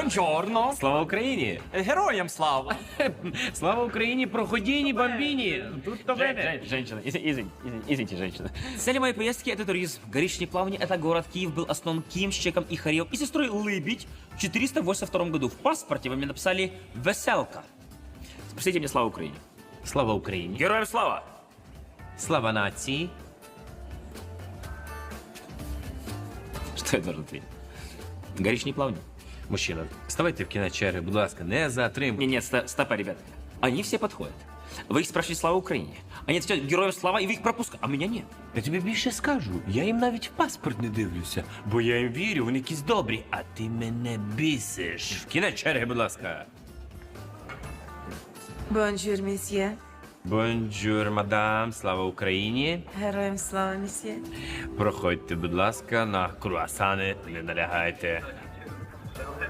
Бонджорно. Слава Україні! Героям слава. Слава Україні, проходіні, бомбіні! Тут то мене. Женщина, извините, женщина. Целью моей поездки это туризм. Горичные плавни — это город. Киев был основан Кимщиком и Харьев и сестрой Лыбедь в 482 году. В паспорте вы мне написали «Веселка». Спросите мне слава Украине. Слава Україні! Героям слава! Слава нації! Что я должен ответить? Горичные плавни? Мужчина, вставайте в кінець черги, будь ласка, не затримуйте. Нет, стопа, ребят. Они все подходят. Вы их спрашиваете слава Украине. Они отвечают героям слава, и вы их пропускаете. А меня нет. Я тобі більше скажу, я їм навіть в паспорт не дивлюся, бо я їм вірю, вони якісь добрі, а ти мене бісиш. В кінець черги, будь ласка. Бонжур, месьє. Бонджур, мадам, слава Україні. Героям слава, месьє. Проходьте, будь ласка, на круасани, не налягайте.